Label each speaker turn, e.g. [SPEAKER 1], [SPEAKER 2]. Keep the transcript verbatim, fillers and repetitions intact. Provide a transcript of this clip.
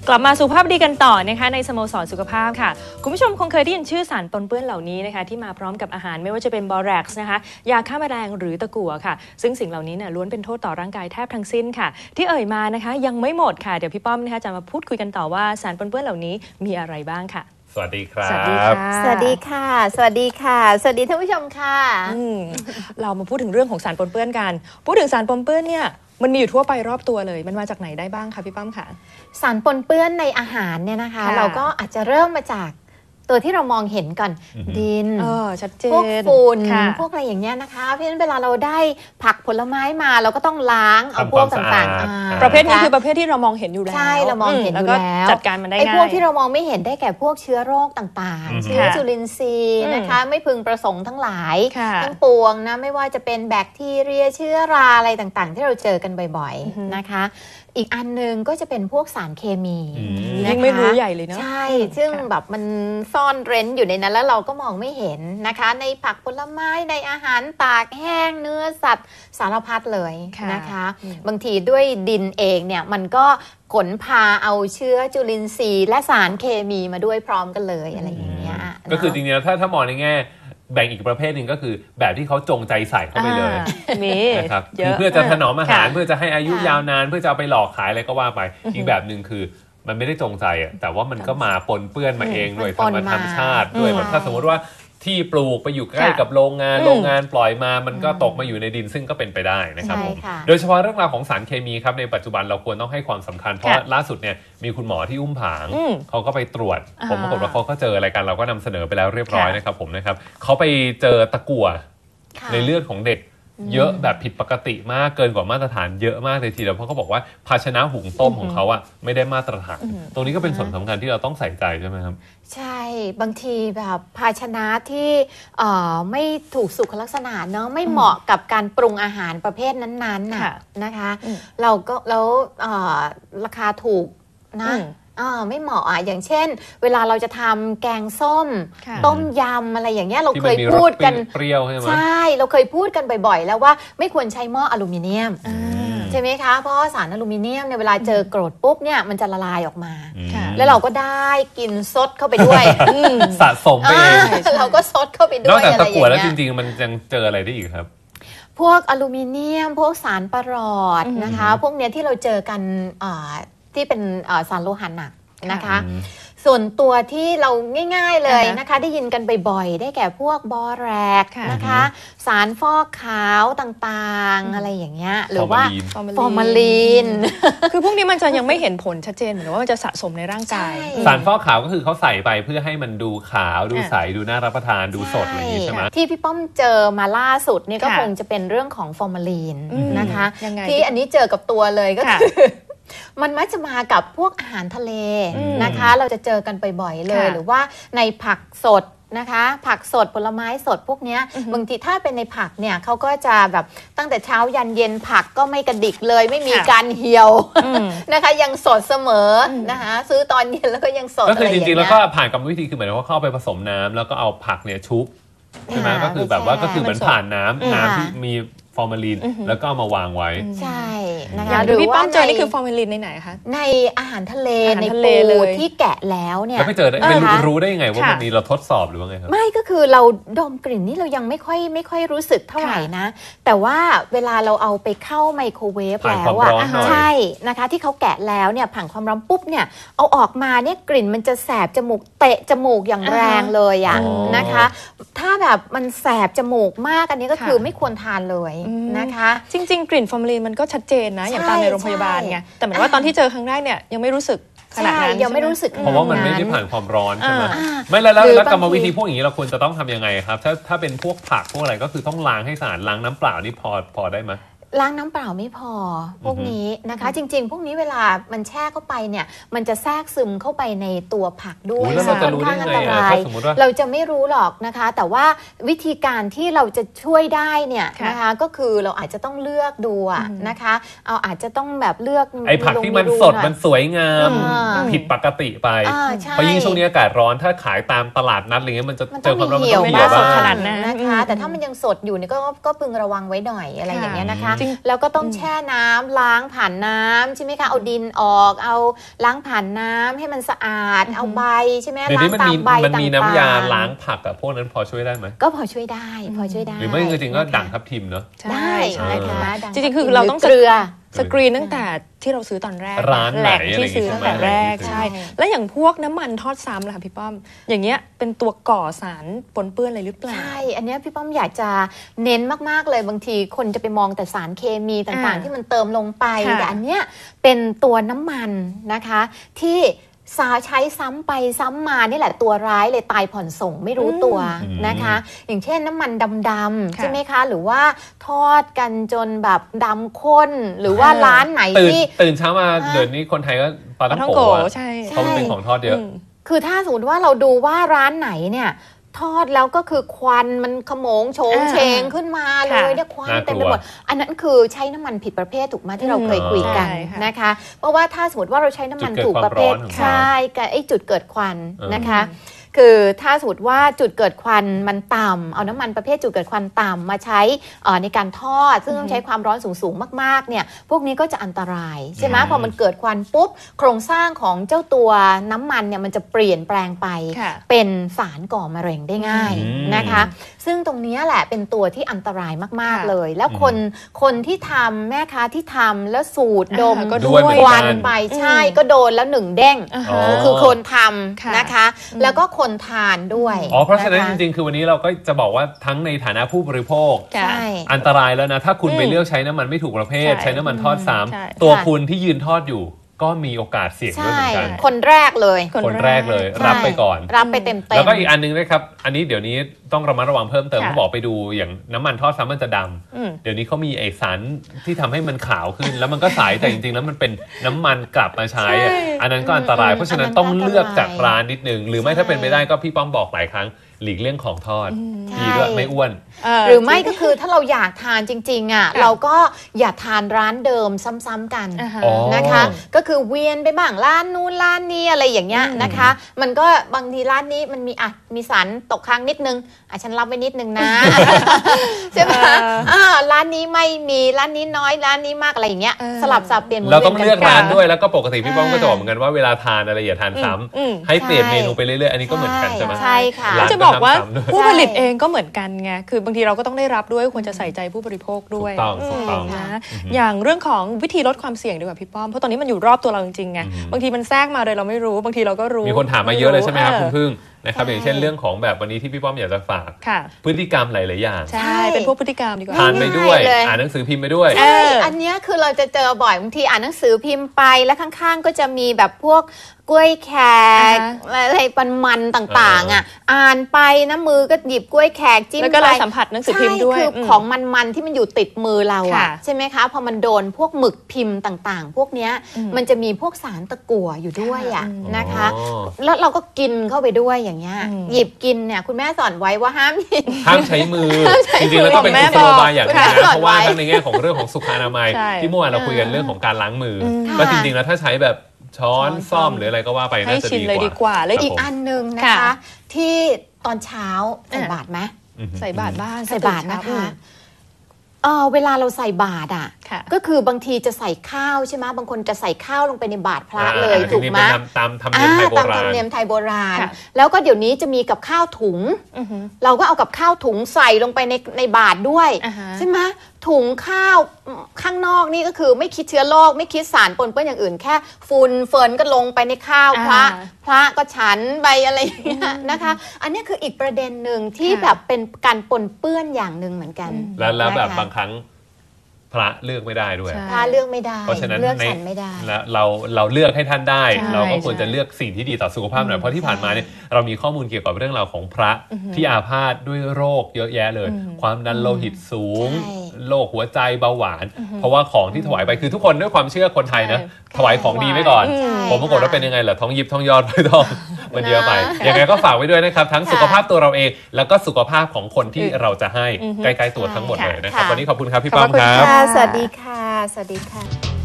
[SPEAKER 1] กลับมาสุขภาพดีกันต่อนะคะในสโมสรสุขภาพค่ะคุณผู้ชมคงเคยได้ยินชื่อสารปนเปื้อนเหล่านี้นะคะที่มาพร้อมกับอาหารไม่ว่าจะเป็นบอแร็กซ์นะคะยาฆ่าแมลงหรือตะกั่วค่ะซึ่งสิ่งเหล่านี้เนี่ยล้วนเป็นโทษต่อร่างกายแทบทั้งสิ้นค่ะที่เอ่ยมานะคะยังไม่หมดค่ะเดี๋ยวพี่ป้อมนะคะจะมาพูดคุยกันต่อว่าสารปนเปื้อนเหล่านี้มีอะไรบ้างค่ะ
[SPEAKER 2] สวัสดีครับ
[SPEAKER 1] สวัสดีค่ะ
[SPEAKER 3] สวัสดีค่ะสวัสดีค่ะสวัสดีท่านผู้ชมค่ะ
[SPEAKER 1] เรามาพูดถึงเรื่องของสารปนเปื้อนกันพูดถึงสารปนเปื้อนเนี่ยมันมีอยู่ทั่วไปรอบตัวเลยมันมาจากไหนได้บ้างคะพี่ป้อมค่ะ
[SPEAKER 3] สารปนเปื้อนในอาหารเนี่ยนะคะเราก็อาจจะเริ่มมาจากตัวที่เรามองเห็นก่อนดิน
[SPEAKER 1] ชัดเจน
[SPEAKER 3] พวกฝุ่นพวกอะไรอย่างเงี้ยนะคะเพราะฉะนั้นเวลาเราได้ผักผลไม้มาเราก็ต้องล้างเอาพวกต่าง
[SPEAKER 1] ๆประเภทนี้คือประเภทที่เรามองเห็นอยู่แล้ว
[SPEAKER 3] ใช่เรามองเห็นอยู่แล้ว
[SPEAKER 1] จัดการมันได้ง่าย
[SPEAKER 3] ไอ้พวกที่เรามองไม่เห็นได้แก่พวกเชื้อโรคต่างๆเชื้อจุลินทรีย์นะคะไม่พึงประสงค์ทั้งหลายทั้งปวงนะไม่ว่าจะเป็นแบคทีเรียเชื้อราอะไรต่างๆที่เราเจอกันบ่อยๆนะคะอีกอันนึงก็จะเป็นพวกสารเคมี
[SPEAKER 1] ยังไม่รู้ใหญ่เลยเนาะ
[SPEAKER 3] ใช่ซึ่งแบบมันซ่อนเร้นอยู่ในนั้นแล้วเราก็มองไม่เห็นนะคะในผักผลไม้ในอาหารตากแห้งเนื้อสัตว์สารพัดเลยนะคะบางทีด้วยดินเองเนี่ยมันก็ขนพาเอาเชื้อจุลินทรีย์และสารเคมีมาด้วยพร้อมกันเลยอะไรอย่างเงี้ย
[SPEAKER 2] ก็คือจริงๆถ้าถ้ามองในแง่แบ่งอีกประเภทหนึ่งก็คือแบบที่เขาจงใจใส่เข้าไปเลยนะครับคือเพื่อจะถนอมอาหารเพื่อจะให้อายุยาวนานเพื่อจะเอาไปหลอกขายอะไรก็ว่าไปอีกแบบหนึ่งคือมันไม่ได้จงใจอ่ะแต่ว่ามันก็มาปนเปื้อนมาเองด้วยธรรมชาติด้วยแบบถ้าสมมติว่าที่ปลูกไปอยู่ใกล้กับโรงงานโรงงานปล่อยมามันก็ตกมาอยู่ในดินซึ่งก็เป็นไปได้นะครับผมโดยเฉพาะเรื่องราวของสารเคมีครับในปัจจุบันเราควรต้องให้ความสำคัญเพราะล่าสุดเนี่ยมีคุณหมอที่อุ้มผางเขาก็ไปตรวจผมปรากฏว่าเขาก็เจออะไรกันเราก็นำเสนอไปแล้วเรียบร้อยนะครับผมนะครับเขาไปเจอตะกั่วในเลือดของเด็กเยอะแบบผิดปกติมากเกินกว่ามาตรฐานเยอะมากเลยทีเดียวเพราะเขาบอกว่าภาชนะหุงต้มของเขาอะไม่ได้มาตรฐานตรงนี้ก็เป็นส่วนสำคัญที่เราต้องใส่ใจใช่ไหมครับ
[SPEAKER 3] ใช่บางทีแบบภาชนะที่ไม่ถูกสุขลักษณะเนาะไม่เหมาะกับการปรุงอาหารประเภทนั้นๆน่ะนะคะเราก็แล้วราคาถูกนะอ่าไม่เหมาะอ่ะอย่างเช่นเวลาเราจะทำแกงส้มต้มยำอะไรอย่างเงี้ยเราเคยพูดกัน
[SPEAKER 2] เปรี้ยวใช่ไหม
[SPEAKER 3] ใช่เราเคยพูดกันบ่อยๆแล้วว่าไม่ควรใช้หม้ออลูมิเนียมใช่ไหมคะเพราะสารอลูมิเนียมเนี่ยเวลาเจอกรดปุ๊บเนี่ยมันจะละลายออกมาแล้วเราก็ได้กินซดเข้าไปด้วย
[SPEAKER 2] สะสมไปเอง
[SPEAKER 3] เราก็ซดเข้าไปด้วย
[SPEAKER 2] นอกจากตะกั่วแล้วจริงๆมันยังเจออะไรได้อีกครับ
[SPEAKER 3] พวกอลูมิเนียมพวกสารประหลอดนะคะพวกเนี้ยที่เราเจอกันที่เป็นสารโลหะหนักนะคะส่วนตัวที่เราง่ายๆเลยนะคะได้ยินกันบ่อยๆได้แก่พวกบอแรกนะคะสารฟอกขาวต่างๆอะไรอย่างเงี้ยหรือว่าฟอร์มาลีน
[SPEAKER 1] คือพวกนี้มันจะยังไม่เห็นผลชัดเจนเหมือนว่ามันจะสะสมในร่างกาย
[SPEAKER 2] สารฟอกขาวก็คือเขาใส่ไปเพื่อให้มันดูขาวดูใสดูน่ารับประทานดูสดอะไรอย่างนี้ใช่ไหม
[SPEAKER 3] ที่พี่ป้อมเจอมาล่าสุดนี่ก็คงจะเป็นเรื่องของฟอร์มาลีนนะคะที่อันนี้เจอกับตัวเลยก็คือมันมักจะมากับพวกอาหารทะเลนะคะเราจะเจอกันบ่อยๆเลยหรือว่าในผักสดนะคะผักสดผลไม้สดพวกนี้บางทีถ้าเป็นในผักเนี่ยเขาก็จะแบบตั้งแต่เช้ายันเย็นผักก็ไม่กระดิกเลยไม่มีการเหี่ยวนะคะยังสดเสมอนะคะซื้อตอนเย็นแล้วก็ยังสด
[SPEAKER 2] ก็คือจริงๆแล้วก็ผ่านกรรมวิธีคือเหมือนว่าเข้าไปผสมน้ำแล้วก็เอาผักเนี่ยชุบใช่ไหมก็คือแบบว่าก็คือเหมือนผ่านน้ำน้ำที่มีฟอร์มาลีนแล้วก็เอามาวางไว้
[SPEAKER 3] ใช่
[SPEAKER 1] นะคะหรือพี่ป้อมเจอนี่คือฟอร์มาลีนในไหนคะ
[SPEAKER 3] ในอาหารทะเลในปูที่แกะแล้วเนี่ย
[SPEAKER 2] แล้วไม่เจอไม่รู้ได้ยังไงว่ามันมีเราทดสอบหรือว่าไงครับ
[SPEAKER 3] ไม่ก็คือเราดมกลิ่นนี่เรายังไม่ค่อยไม่ค่อยรู้สึกเท่าไหร่นะแต่ว่าเวลาเราเอาไปเข้าไมโครเวฟแล้วอ่ะใช่นะคะที่เขาแกะแล้วเนี่ยผ่านความร้อนปุ๊บเนี่ยเอาออกมาเนี่ยกลิ่นมันจะแสบจมูกเตะจมูกอย่างแรงเลยอ่ะนะคะถ้าแบบมันแสบจมูกมากอันนี้ก็คือไม่ควรทานเลยนะคะ
[SPEAKER 1] จริงๆกลิ่นฟอร์มาลีนมันก็ชัดเจนนะอย่างตามในโรงพยาบาลไงแต่เหมือนว่าตอนที่เจอครั้งแรกเนี่ยยังไม่รู้สึกขนาดนั้น
[SPEAKER 3] ยังไม่รู้สึก
[SPEAKER 2] เพราะว่ามันไม่ได้ผ่านความร้อนใช่ไหมไม่แล้วแล้วกรรมวิธีพวกอย่างนี้เราควรจะต้องทำยังไงครับถ้าถ้าเป็นพวกผักพวกอะไรก็คือต้องล้างให้สะอาดล้างน้ำเปล่านี่พอพอได้ไหม
[SPEAKER 3] ล้างน้ำเปล่าไม่พอพวกนี้นะคะจริงๆพวกนี้เวลามันแช่เข้าไปเนี่ยมันจะแทรกซึมเข้าไปในตัวผักด้วย
[SPEAKER 2] ซึ่งค่อนข้างอันตราย
[SPEAKER 3] เราจะไม่รู้หรอกนะคะแต่ว่าวิธีการที่เราจะช่วยได้เนี่ยนะคะก็คือเราอาจจะต้องเลือกดูนะคะเอาอาจจะต้องแบบเลือก
[SPEAKER 2] ไอ้ผักที่มันสดมันสวยงามผิดปกติไปเพราะยิ่งช่วงนี้อากาศร้อนถ้าขายตามตลาดนัดอะไรเงี้ยมันจะเจอความร้อนมันต้องเหี่ยว
[SPEAKER 3] สดขนาดนั้นนะคะแต่ถ้ามันยังสดอยู่เนี่ยก็ก็พึงระวังไว้หน่อยอะไรอย่างเงี้ยนะคะแล้วก็ต้องแช่น้ำล้างผ่านน้ำใช่ไหมคะเอาดินออกเอาล้างผ่านน้ำให้มันสะอาดเอาใบใช่ไหมล้างตามใบต่างๆ
[SPEAKER 2] มันมีน้ำยาล้างผักอะพวกนั้นพอช่วยได้ไหม
[SPEAKER 3] ก็พอช่วยได้พอช่วยได้
[SPEAKER 2] หรือไม่จริงๆก็ด่างทับทิมเนอะ
[SPEAKER 3] ได้นะคะ
[SPEAKER 1] จริงๆคือเราต้องเกลือสกรีนตั้งแต่ที่เราซื้อตอนแรก
[SPEAKER 2] ร้านไหน
[SPEAKER 1] ที่ซื้อตั้งแต่แรกใช่แล้วอย่างพวกน้ำมันทอดซ้ำล่ะค่ะพี่ป้อมอย่างเงี้ยเป็นตัวก่อสารปนเปื้อนอะไรหรือเปล่า
[SPEAKER 3] ใช่อันนี้พี่ป้อมอยากจะเน้นมากๆเลยบางทีคนจะไปมองแต่สารเคมีต่างๆที่มันเติมลงไปแต่อันเนี้ยเป็นตัวน้ำมันนะคะที่สาใช้ซ้ำไปซ้ำมานี่แหละตัวร้ายเลยตายผ่อนส่งไม่รู้ตัวนะคะอย่างเช่นน้ำมันดำๆใช่ไหมคะหรือว่าทอดกันจนแบบดำข้นหรือว่าร้านไหนที่
[SPEAKER 2] ตื่นเช้ามาเดี๋ยวนี้คนไทยก็ปลาท่องโกะ
[SPEAKER 1] ใช่
[SPEAKER 2] เขาเป็นของทอดเยอะ
[SPEAKER 3] คือถ้าสมมติว่าเราดูว่าร้านไหนเนี่ยทอดแล้วก็คือควันมันขโมงโฉงเฉงขึ้นมาเลยเนี่ยควันเต็มไปหมดอันนั้นคือใช้น้ำมันผิดประเภทถูกไหมที่เราเคยคุยกันนะคะเพราะว่าถ้าสมมติว่าเราใช้น้ำมันถูกประเภทใช่กับไอ้จุดเกิดควันนะคะคือถ้าสมมติว่าจุดเกิดควันมันต่ำเอาน้ำมันประเภทจุดเกิดควันต่ำมาใช้ในการทอดซึ่งต้องใช้ความร้อนสูงๆมากๆเนี่ยพวกนี้ก็จะอันตรายใช่ไหมพอมันเกิดควันปุ๊บโครงสร้างของเจ้าตัวน้ำมันเนี่ยมันจะเปลี่ยนแปลงไปเป็นสารก่อมะเร็งได้ง่ายนะคะซึ่งตรงนี้แหละเป็นตัวที่อันตรายมากๆเลยแล้วคนคนที่ทำแม่ค้าที่ทำแล้วสูดดม
[SPEAKER 2] ก็ด้วย
[SPEAKER 3] ควันไปใช่ก็โดนแล้วหนึ่งเด้งคือคนทำนะคะแล้วก็คนทานด้วย
[SPEAKER 2] อ๋อเพราะฉะนั้นจริงๆคือวันนี้เราก็จะบอกว่าทั้งในฐานะผู้บริโภคอันตรายแล้วนะถ้าคุณไปเลือกใช้น้ำมันไม่ถูกประเภทใช้น้ำมันทอดซ้ำตัวคุณที่ยืนทอดอยู่ก็มีโอกาสเสี่ยงด้วยเหมือนกัน
[SPEAKER 3] คนแรกเลย
[SPEAKER 2] คนแรกเลยรับไปก่อน
[SPEAKER 3] รับไปเต็มๆ
[SPEAKER 2] แล้วก็อีกอันนึงนะครับอันนี้เดี๋ยวนี้ต้องระมัดระวังเพิ่มเติมเขาบอกไปดูอย่างน้ำมันทอดซ้ำมันจะดำเดี๋ยวนี้เขามีไอสารที่ทำให้มันขาวขึ้นแล้วมันก็ใสแต่จริงๆแล้วมันเป็นน้ำมันกลับมาใช้อันนั้นก็อันตรายเพราะฉะนั้นต้องเลือกจากร้านนิดนึงหรือไม่ถ้าเป็นไปได้ก็พี่ป้อมบอกหลายครั้งหลีกเลี่ยงของทอดดีด้วยไม่อ้วน
[SPEAKER 3] หรือไม่ก็คือถ้าเราอยากทานจริงๆอ่ะเราก็อย่าทานร้านเดิมซ้ำๆกันนะคะก็คือเวียนไปบ้างร้านนู้นร้านนี้อะไรอย่างเงี้ยนะคะมันก็บางทีร้านนี้มันมีอ่ะมีสารตกค้างนิดนึงอ่ะฉันรับไว้นิดนึงนะใช่ไหมอ่าร้านนี้ไม่มีร้านนี้น้อยร้านนี้มากอะไรอย่างเงี้ยสลับสับเปลี่ยน
[SPEAKER 2] เราต้องเลือกร้านด้วยแล้วก็ปกติพี่ป้อมก็จะบอกเหมือนกันว่าเวลาทานอะไรอย่าทานซ้ำให้เปลี่ยนเมนูไปเรื่อยๆอันนี้ก็เหมือนกันใช่ไหม
[SPEAKER 3] ใช่ค่ะ
[SPEAKER 1] จะบอกว่าผู้ผลิตเองก็เหมือนกันไงคือบางทีเราก็ต้องได้รับด้วยควรจะใส่ใจผู้บริโภคด้วย
[SPEAKER 2] ถูกต้องถูกต้อง
[SPEAKER 1] นะอย่างเรื่องของวิธีลดความเสี่ยงดีกว่าพี่ป้อมเพราะตอนนี้มันอยู่รอบตัวเราจริงๆไงบางทีมันแทรกมาโดยเราไม่รู้บางทีเราก็รู้
[SPEAKER 2] มีคนถามมาเยอะเลยใช่ไหมครับคุณพึ่งนะครับอย่างเช่นเรื่องของแบบวันนี้ที่พี่ป้อมอยากจะฝากพฤติกรรมหลายๆอย่าง
[SPEAKER 1] ใช่เป็นพวกพฤติกรรมดีกว่า
[SPEAKER 2] ทานไปด้วยอ่านหนังสือพิมพ์ไปด้วย
[SPEAKER 3] ใช่อันนี้คือเราจะเจอบ่อยบางทีอ่านหนังสือพิมพ์ไปแล้วข้างๆก็จะมีแบบพวกกล้วยแขกอะไรมันๆต่างๆอ่ะอ่านไปนะมือก็หยิบกล้วยแขกจิ้มไป
[SPEAKER 1] แล้วก็เราสัมผัสหนังสือพิมพ์ด้วย
[SPEAKER 3] คือของมันๆที่มันอยู่ติดมือเราอ่ะใช่ไหมคะพอมันโดนพวกหมึกพิมพ์ต่างๆพวกเนี้ยมันจะมีพวกสารตะกั่วอยู่ด้วยอ่ะนะคะแล้วเราก็กินเข้าไปด้วยอย่างเงี้ยหยิบกินเนี่ยคุณแม่สอนไว้ว่าห้าม
[SPEAKER 2] ห้ามใช้มือจริงๆแล้วก็เป็นกุศโลบายอย่างนึงนะเพราะว่าทั้งในแง่ของเรื่องของสุขอนามัยที่เมื่อวานเราคุยกันเรื่องของการล้างมือก็จริงๆแล้วถ้าใช้แบบช้อนซ่อมหรืออะไรก็ว่าไปน่าจะ
[SPEAKER 1] ดีกว่า
[SPEAKER 3] แล้วอีกอันนึงนะคะที่ตอนเช้าใส่บาตรไหม
[SPEAKER 1] ใส่บาตรบ้าง
[SPEAKER 3] ใส่บาตรนะคะเออเวลาเราใส่บาตรอ่ะก็คือบางทีจะใส่ข้าวใช่ไหมบางคนจะใส่ข้าวลงไปในบาตรพระเลยถูกไหม
[SPEAKER 2] ตามธรรมเนียมไทยโบราณ
[SPEAKER 3] ตามธรรมเนียมไทยโบราณแล้วก็เดี๋ยวนี้จะมีกับข้าวถุงเราก็เอากับข้าวถุงใส่ลงไปในในบาตรด้วยใช่ไหมถุงข้าวข้างนอกนี่ก็คือไม่คิดเชื้อโรคไม่คิดสารปนเปื้อนอย่างอื่นแค่ฝุ่นเฟิร์นก็ลงไปในข้าวพระพระก็ฉันไปอะไรอย่างเงี้ยนะคะอันนี้คืออีกประเด็นหนึ่งที่แบบเป็นการปนเปื้อนอย่างหนึ่งเหมือนกัน
[SPEAKER 2] แล้วแล้วแบบบางครั้งพระเลือกไม่ได้ด้วย
[SPEAKER 3] พระเลือกไม่ได้
[SPEAKER 2] เพราะฉะนั้น
[SPEAKER 3] เลือกฉันไม่ได้
[SPEAKER 2] แล้วเราเราเลือกให้ท่านได้เราก็ควรจะเลือกสิ่งที่ดีต่อสุขภาพหน่อยเพราะที่ผ่านมาเนี่ยเรามีข้อมูลเกี่ยวกับเรื่องราวของพระที่อาพาธด้วยโรคเยอะแยะเลยความดันโลหิตสูงโรคหัวใจเบาหวานเพราะว่าของที่ถวายไปคือทุกคนด้วยความเชื่อคนไทยนะถวายของดีไว้ก่อนผมปรากฏว่าเป็นยังไงล่ะท้องยิบท้องยอดไปท้องมันเยอะไปยังไงก็ฝากไว้ด้วยนะครับทั้งสุขภาพตัวเราเองแล้วก็สุขภาพของคนที่เราจะให้ใกล้ๆตัวทั้งหมดเลยนะครับวันนี้ขอบคุณครับพี่ป้อมครับ
[SPEAKER 3] สวัสดีค่ะสวัสดีค่ะ